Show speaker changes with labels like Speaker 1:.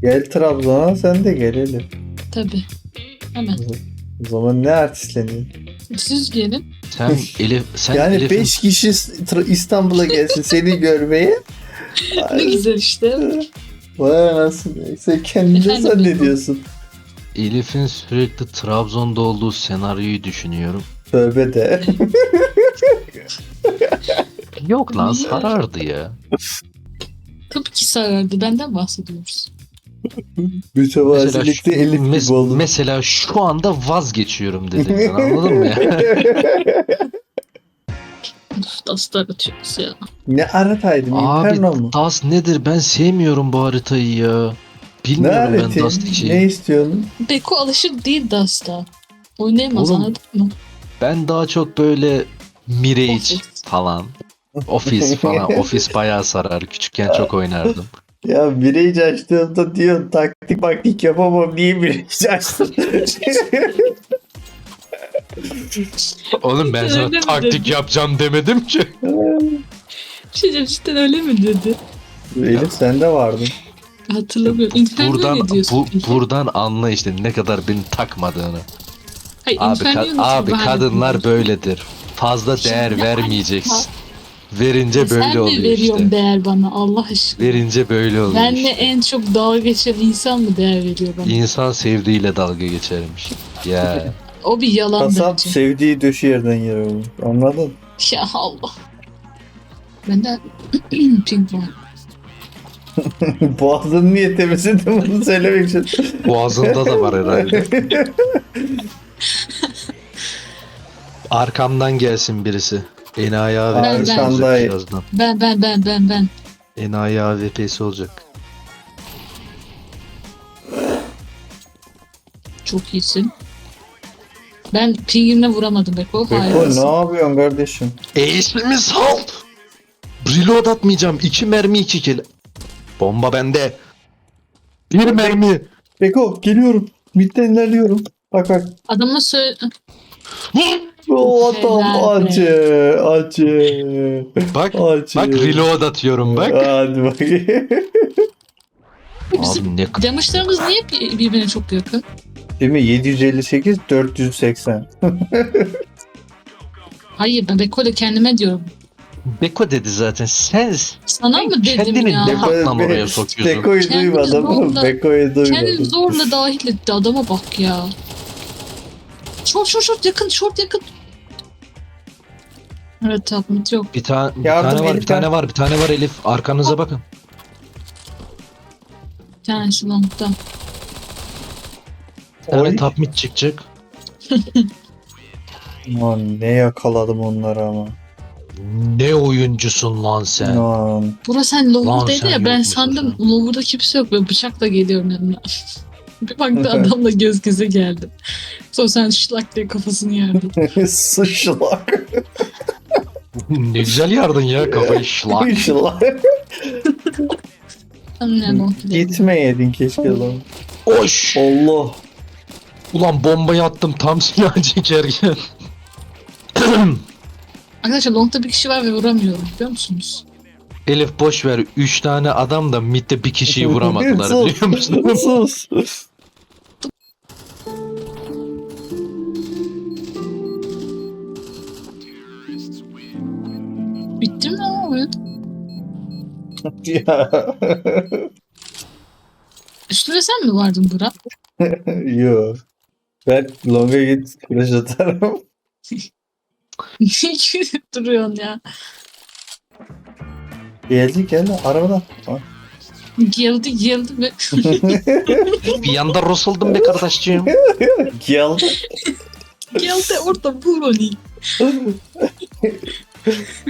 Speaker 1: Gel Trabzon'a sen de gel hele.
Speaker 2: Tabii. Hemen.
Speaker 1: O zaman ne artistleniyor?
Speaker 2: Siz gelin.
Speaker 3: Sen
Speaker 1: Yani
Speaker 3: Elif'in
Speaker 1: 5 kişi İstanbul'a gelsin seni görmeye.
Speaker 2: Ne güzel işte.
Speaker 1: Vay anasını. Sen kendini
Speaker 2: Efendim,
Speaker 1: zannediyorsun.
Speaker 3: Elif'in sürekli Trabzon'da olduğu senaryoyu düşünüyorum.
Speaker 1: Tövbe de.
Speaker 3: Yok lan
Speaker 2: Niye?
Speaker 3: sarardı ya.
Speaker 2: Tabii ki sarardı. Benden bahsediyoruz.
Speaker 1: Mütevazilikte Elif gibi oldu.
Speaker 3: mesela şu anda vazgeçiyorum dedim. Ben, anladın mı ya?
Speaker 2: Dastar atıyoruz ya.
Speaker 1: Ne arataydım? Inferno
Speaker 3: Abi
Speaker 1: mu?
Speaker 3: Das nedir? Ben sevmiyorum bu haritayı ya.
Speaker 1: Ne
Speaker 3: Bilmiyorum ben
Speaker 1: aratayım?
Speaker 3: Dust için.
Speaker 1: Ne istiyorsun?
Speaker 2: Beko alışık değil Dust'a. Oynayamaz,
Speaker 3: Oğlum,
Speaker 2: anladın mı?
Speaker 3: Ben daha çok böyle Mirage
Speaker 2: Office.
Speaker 3: falan. Office falan. Office bayağı sarar. Küçükken çok oynardım.
Speaker 1: Ya bireyici açtığımda diyorsun taktik yapamam niye bireyici açtın?
Speaker 3: Oğlum ben
Speaker 2: Öyle
Speaker 3: sana
Speaker 2: mi
Speaker 3: taktik
Speaker 2: dedi?
Speaker 3: yapacağım demedim ki.
Speaker 2: Bir şey diyeceğim, cidden öyle mi dedi?
Speaker 1: Elif sen de vardın.
Speaker 2: Hatırlamıyorum. Inferno ne diyorsun? peki?
Speaker 3: Buradan anla işte ne kadar beni takmadığını.
Speaker 2: Hayır,
Speaker 3: Abi,
Speaker 2: Inferno'yu nasıl
Speaker 3: abi
Speaker 2: bahane
Speaker 3: kadınlar
Speaker 2: ediyorsun?
Speaker 3: böyledir. Fazla değer
Speaker 2: Şimdi
Speaker 3: vermeyeceksin. Verince
Speaker 2: Sen
Speaker 3: böyle
Speaker 2: mi
Speaker 3: oluyor
Speaker 2: veriyorsun
Speaker 3: işte.
Speaker 2: değer bana Allah aşkına?
Speaker 3: Verince böyle oluyor
Speaker 2: Benle
Speaker 3: işte.
Speaker 2: en çok dalga geçen insan mı değer veriyor bana?
Speaker 3: İnsan sevdiğiyle dalga geçermiş. Ya.
Speaker 2: O bir yalan
Speaker 1: Kasap
Speaker 2: bence.
Speaker 1: sevdiği döşü yerden yer olur. Anladın?
Speaker 2: Ya Allah. Bende ping var.
Speaker 1: Boğazın niye temizledin bunu söylemek için.
Speaker 3: Boğazında da var herhalde. Arkamdan gelsin birisi. Enayi AWP'si
Speaker 2: Ben.
Speaker 3: olacak birazdan.
Speaker 2: Ben.
Speaker 3: Enayi AWP'si olacak.
Speaker 2: Çok iyisin. Ben pingimle vuramadım Beko.
Speaker 1: Beko
Speaker 2: Hayır.
Speaker 1: ne yapıyorsun kardeşim?
Speaker 3: İsmimi sal! Reload atmayacağım. 2 mermi 2 kill. Bomba bende. Bir mermi.
Speaker 1: Beko geliyorum. Midden ilerliyorum. Bak.
Speaker 2: Adama söyle...
Speaker 1: O adam
Speaker 2: Helal be.
Speaker 1: acı.
Speaker 3: Bak
Speaker 1: Acı.
Speaker 3: bak reload atıyorum bak.
Speaker 1: Hadi bakayım.
Speaker 3: Abi ne
Speaker 2: Damage'larımız niye birbirine çok yakın?
Speaker 1: Değil mi? 758 480.
Speaker 2: Hayır, ben Beko'yla kendime diyorum.
Speaker 3: Beko dedi zaten. Sen
Speaker 2: Sana mı dedim
Speaker 3: kendini
Speaker 2: ya?
Speaker 3: ne hakla oraya sokuyorsun?
Speaker 1: Beko'yu
Speaker 2: Kendini
Speaker 1: duymadım.
Speaker 2: zorla-
Speaker 1: Beko'yu
Speaker 2: Kendini
Speaker 1: duymadım.
Speaker 2: zorla dahil etti. Adama bak ya. Short yakın. Evet tatlım yok.
Speaker 3: Bir tane
Speaker 1: Yardım
Speaker 3: var,
Speaker 1: Elif,
Speaker 3: bir tane var, bir tane var Elif. Arkanıza bakın.
Speaker 2: Bir tanesi long'da.
Speaker 3: Bir tane
Speaker 1: Oy.
Speaker 3: top mid çıkacak.
Speaker 1: Aman ne yakaladım onları ama.
Speaker 3: Ne oyuncusun lan sen?
Speaker 1: Aman.
Speaker 2: Bura sen
Speaker 3: Lan
Speaker 2: lower'daydı
Speaker 3: sen
Speaker 2: ya, ben
Speaker 3: yokmuşsun
Speaker 2: sandım lower'da kimse yok ve bıçakla geliyorum yanına. Bir baktı adamla göz göze geldim. Sonra sen şlak diye kafasını yerdin.
Speaker 1: Sıçlak.
Speaker 3: Ne güzel yardın ya kafayı şlak.
Speaker 1: Sıçlak.
Speaker 2: Ne long
Speaker 1: Gitmeyeydin keşke lan.
Speaker 3: Oş!
Speaker 1: Allah.
Speaker 3: Ulan bombayı attım tam silah çekerken.
Speaker 2: Arkadaşlar long'da bir kişi var ve vuramıyorum, biliyor musunuz?
Speaker 3: Elif boş ver. 3 tane adam da midde bir kişiyi vuramadılar
Speaker 1: Sus,
Speaker 3: biliyor musun?
Speaker 1: Sus.
Speaker 2: Bitti mi o oyun?
Speaker 1: Ya.
Speaker 2: Üstüne sen mi vardın Burak?
Speaker 1: Yo. Ben longa git flash atarım.
Speaker 2: Niye gülüp duruyorsun ya?
Speaker 1: Gel arabadan. Ha.
Speaker 2: Geldi ve
Speaker 3: Bir yanda Russell'dım be kardeşciğim.
Speaker 1: Gel.
Speaker 2: geldi orada vur onu.